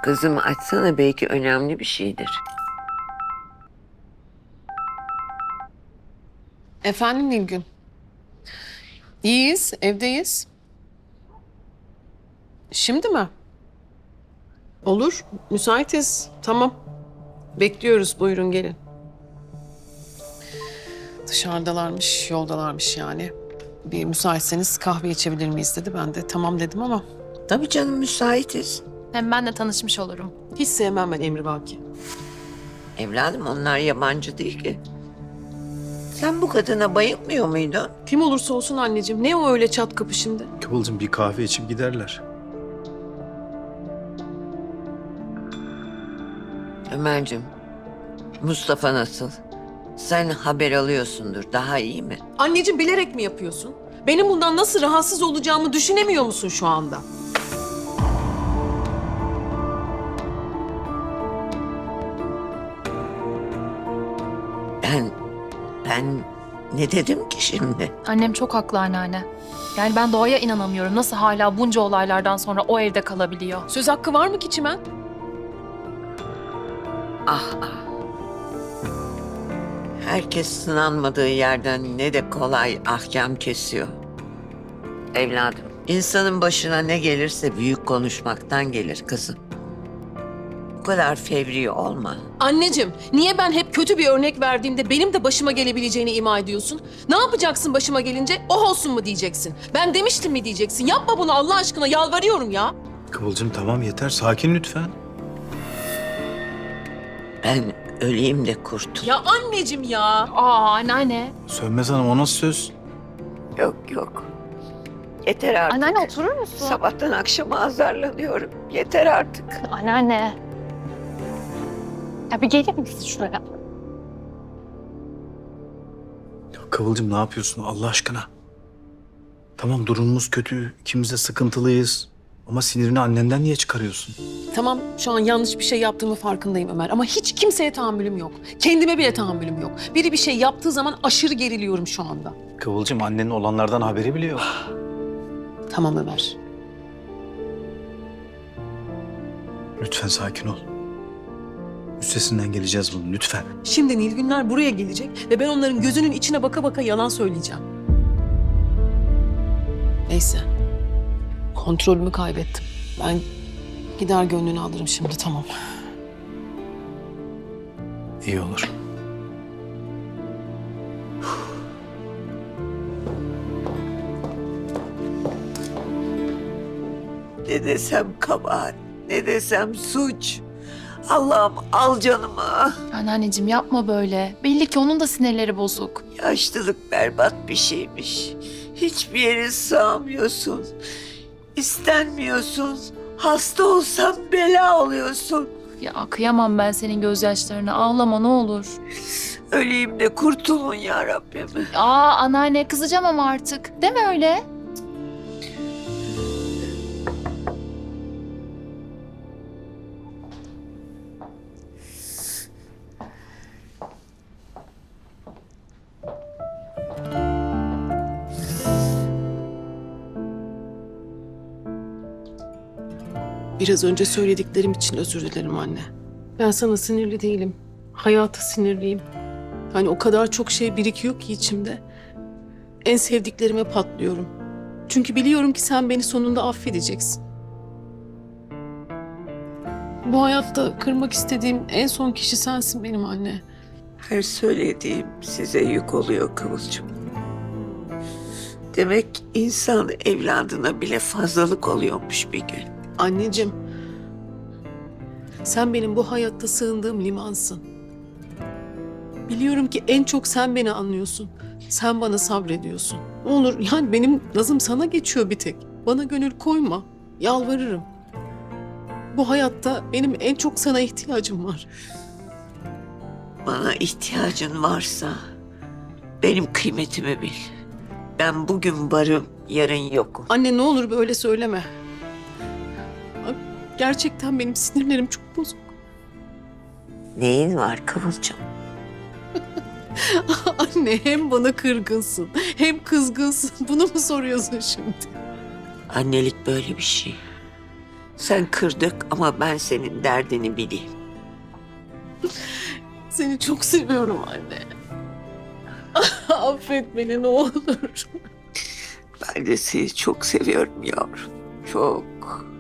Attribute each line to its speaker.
Speaker 1: Kızım açsana, belki önemli bir şeydir.
Speaker 2: Efendim Nilgün. İyiyiz, evdeyiz. Şimdi mi? Olur, müsaitiz. Tamam. Bekliyoruz, buyurun gelin. Dışarıdalarmış, yoldalarmış yani. Bir müsaitseniz kahve içebilir miyiz dedi. Ben de tamam dedim ama
Speaker 1: Tabii canım, müsaitiz.
Speaker 3: Hem ben de tanışmış olurum.
Speaker 2: hiç sevmem ben emrivaki.
Speaker 1: Evladım, onlar yabancı değil ki. Sen bu kadına bayılmıyor muydun?
Speaker 2: Kim olursa olsun anneciğim. Ne o öyle çat kapı şimdi?
Speaker 4: Kıvılcım bir kahve içip giderler.
Speaker 1: Ömerciğim, Mustafa nasıl? Sen haber alıyorsundur, daha iyi mi?
Speaker 2: Anneciğim bilerek mi yapıyorsun? Benim bundan nasıl rahatsız olacağımı düşünemiyor musun şu anda?
Speaker 1: Ben ne dedim ki şimdi?
Speaker 3: Annem çok haklı anneanne. Yani ben Doğa'ya inanamıyorum. Nasıl hala bunca olaylardan sonra o evde kalabiliyor?
Speaker 2: Söz hakkı var mı ki Çimen?
Speaker 1: Ah ah. Herkes sınanmadığı yerden ne de kolay ahkam kesiyor. Evladım, insanın başına ne gelirse büyük konuşmaktan gelir kızım. Bu kadar fevri olma.
Speaker 2: Anneciğim, niye ben hep kötü bir örnek verdiğimde benim de başıma gelebileceğini ima ediyorsun? Ne yapacaksın başıma gelince? Oh olsun mu diyeceksin? Ben demiştim mi diyeceksin? Yapma bunu Allah aşkına, yalvarıyorum ya.
Speaker 4: Kıvılcım tamam yeter, sakin lütfen.
Speaker 1: Ben öleyim de kurtul.
Speaker 2: Ya anneciğim ya.
Speaker 3: Aa anneanne.
Speaker 4: Sönmez Hanım o nasıl söz?
Speaker 1: Yok yok. Yeter artık.
Speaker 3: Anneanne oturur musun?
Speaker 1: Sabahtan akşama azarlanıyorum. Yeter artık.
Speaker 3: Anneanne. Ya bir gelir misin şuraya?
Speaker 4: Ya Kıvılcım ne yapıyorsun Allah aşkına? Tamam durumumuz kötü, ikimiz de sıkıntılıyız. Ama sinirini annenden niye çıkarıyorsun?
Speaker 2: Tamam, şu an yanlış bir şey yaptığımı farkındayım Ömer. Ama hiç kimseye tahammülüm yok. Kendime bile tahammülüm yok. Biri bir şey yaptığı zaman aşırı geriliyorum şu anda.
Speaker 4: Kıvılcım annenin olanlardan haberi bile yok.
Speaker 2: Tamam Ömer.
Speaker 4: Lütfen sakin ol. Üstesinden geleceğiz bunun lütfen.
Speaker 2: Şimdi Nilgünler buraya gelecek ve ben onların gözünün içine baka baka yalan söyleyeceğim. Neyse. Kontrolümü kaybettim. Ben gider gönlünü alırım şimdi, tamam.
Speaker 4: İyi olur.
Speaker 1: Ne desem kabahat, ne desem suç. Allah'ım al canımı.
Speaker 3: Anneanneciğim yapma böyle. Belli ki onun da sinirleri bozuk.
Speaker 1: Yaşlılık berbat bir şeymiş. Hiçbir yere sığamıyorsun. İstenmiyorsun. Hasta olsan bela oluyorsun.
Speaker 3: Ya kıyamam ben senin gözyaşlarına. Ağlama ne olur.
Speaker 1: Öleyim de kurtulun ya Rabbim.
Speaker 3: Aa anneanne kızacağım ama artık. Deme öyle.
Speaker 2: Biraz önce söylediklerim için özür dilerim anne. Ben sana sinirli değilim. Hayata sinirliyim. Hani o kadar çok şey birikiyor ki içimde. En sevdiklerime patlıyorum. Çünkü biliyorum ki sen beni sonunda affedeceksin. Bu hayatta kırmak istediğim en son kişi sensin benim anne.
Speaker 1: Her söylediğim size yük oluyor Kıvılcım. Demek insan evladına bile fazlalık oluyormuş bir gün.
Speaker 2: Anneciğim, sen benim bu hayatta sığındığım limansın. Biliyorum ki en çok sen beni anlıyorsun. Sen bana sabrediyorsun. Ne olur yani benim nazım sana geçiyor bir tek. Bana gönül koyma. Yalvarırım. Bu hayatta benim en çok sana ihtiyacım var.
Speaker 1: Bana ihtiyacın varsa benim kıymetimi bil. Ben bugün varım, yarın yokum.
Speaker 2: Anne ne olur böyle söyleme. Bak, gerçekten benim sinirlerim çok bozuk.
Speaker 1: Neyin var Kıvılcım?
Speaker 2: Anne hem bana kırgınsın hem kızgınsın. Bunu mu soruyorsun şimdi?
Speaker 1: Annelik böyle bir şey. Sen kırdık ama ben senin derdini bileyim.
Speaker 2: Seni çok seviyorum anne. Affet beni ne olur.
Speaker 1: Ben de seni çok seviyorum yavrum. Çok.